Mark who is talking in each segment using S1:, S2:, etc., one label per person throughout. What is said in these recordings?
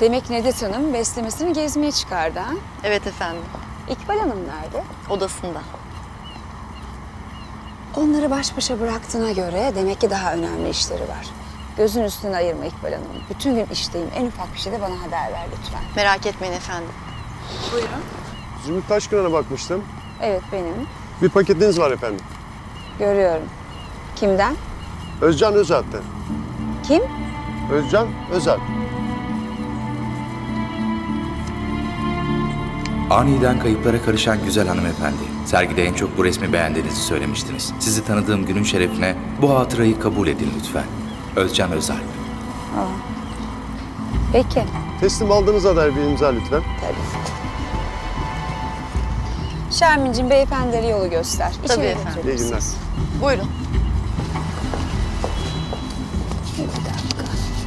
S1: Demek Nedet Hanım beslemesini gezmeye çıkardı ha?
S2: Evet efendim.
S1: İkbal Hanım nerede?
S2: Odasında.
S1: Onları baş başa bıraktığına göre demek ki daha önemli işleri var. Gözün üstüne ayırma İkbal Hanım. Bütün gün işteyim. En ufak bir şeyde bana haber ver lütfen.
S2: Merak etmeyin efendim.
S1: Buyurun.
S3: Zümrüt Taşkıran'a bakmıştım.
S1: Evet benim.
S3: Bir paketiniz var efendim.
S1: Görüyorum. Kimden?
S3: Özcan Özalp'ten.
S1: Kim?
S3: Özcan Özalp.
S4: Aniden kayıplara karışan güzel hanımefendi. Sergide en çok bu resmi beğendiğinizi söylemiştiniz. Sizi tanıdığım günün şerefine bu hatırayı kabul edin lütfen. Özcan Özalp.
S1: Peki.
S3: Teslim aldığınıza dair bir imza lütfen.
S1: Tabii. Şermin'cim beyefendilere yolu göster.
S2: Tabii
S1: İçeri
S2: efendim.
S1: götürün
S3: İyi günler.
S1: siz.
S2: Buyurun.
S1: Bir dakika.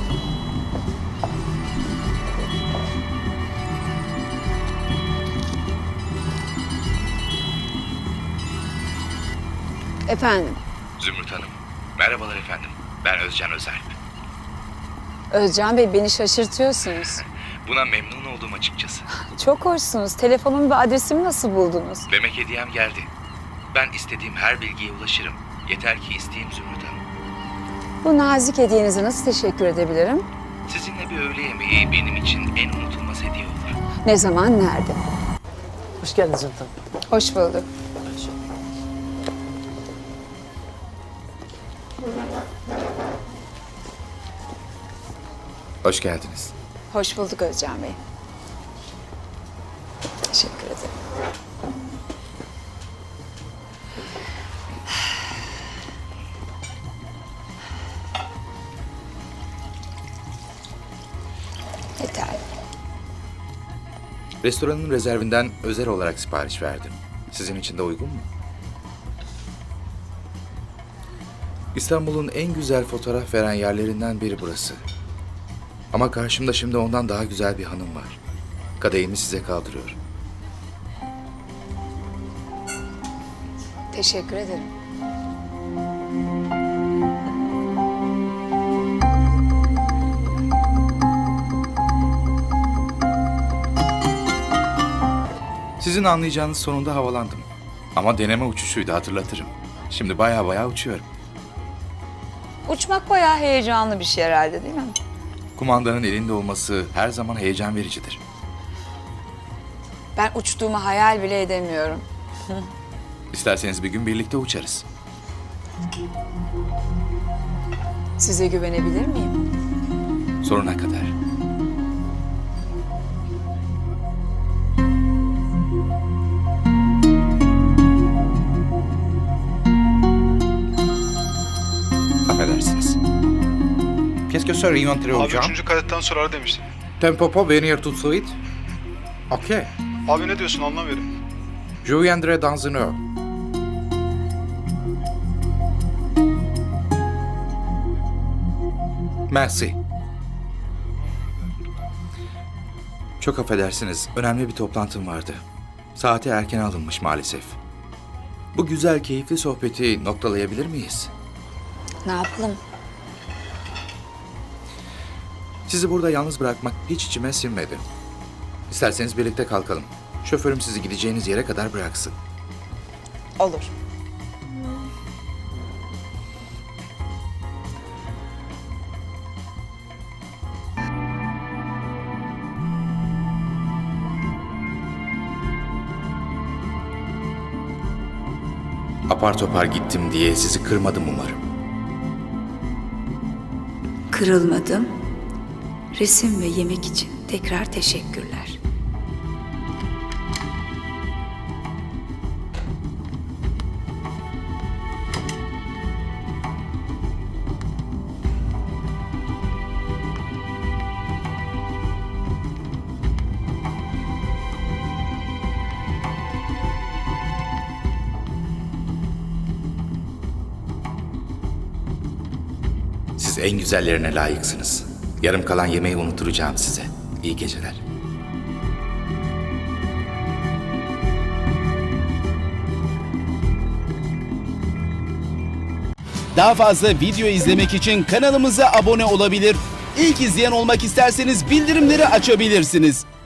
S1: Efendim,
S4: Zümrüt Hanım. Merhabalar efendim. Ben Özcan Özalp.
S1: Özcan Bey beni şaşırtıyorsunuz.
S4: Buna memnun oldum açıkçası.
S1: Çok hoşsunuz. Telefonumu ve adresimi nasıl buldunuz?
S4: Demek hediyem geldi. Ben istediğim her bilgiye ulaşırım. Yeter ki isteyeyim Zümrüt Hanım.
S1: Bu nazik hediyenize nasıl teşekkür edebilirim?
S4: Sizinle bir öğle yemeği benim için en unutulmaz hediye olur.
S1: Ne zaman, nerede?
S5: Hoş geldiniz Zümrüt Hanım.
S1: Hoş bulduk.
S4: Hoş geldiniz.
S1: Hoş bulduk Özcan Bey. Teşekkür ederim. Yeterli.
S4: Restoranın rezervinden özel olarak sipariş verdim. Sizin için de uygun mu? İstanbul'un en güzel fotoğraf veren yerlerinden biri burası. Ama karşımda şimdi ondan daha güzel bir hanım var. Kadehimi size kaldırıyorum.
S1: Teşekkür ederim.
S4: Sizin anlayacağınız sonunda havalandım. Ama deneme uçuşuydu, hatırlatırım. Şimdi baya uçuyorum.
S1: Uçmak bayağı heyecanlı bir şey herhalde değil mi?
S4: Kumandanın elinde olması her zaman heyecan vericidir.
S1: Ben uçtuğumu hayal bile edemiyorum.
S4: İsterseniz bir gün birlikte uçarız.
S1: Size güvenebilir miyim?
S4: Sonuna kadar. Affedersiniz. Qu'est-ce que serait entrer au
S6: Abi
S4: jam?
S6: 3. kadetten sonra ara demiştin.
S4: Tempo pas venir tout de suite? Ok.
S6: Abi ne diyorsun anlamıyorum.
S4: Je viendrai dans une heure. Merci. Çok affedersiniz. Önemli bir toplantım vardı. Saati erken alınmış maalesef. Bu güzel, keyifli sohbeti noktalayabilir miyiz?
S1: Ne yapalım?
S4: Sizi burada yalnız bırakmak hiç içime sinmedi. İsterseniz birlikte kalkalım. Şoförüm sizi gideceğiniz yere kadar bıraksın.
S1: Olur.
S4: Apar topar gittim diye sizi kırmadım umarım.
S1: Kırılmadım. Resim ve yemek için tekrar teşekkürler.
S4: Siz en güzellerine layıksınız. Yarım kalan yemeği unutturacağım size. İyi geceler.
S7: Daha fazla video izlemek için kanalımıza abone olabilir. İlk izleyen olmak isterseniz bildirimleri açabilirsiniz.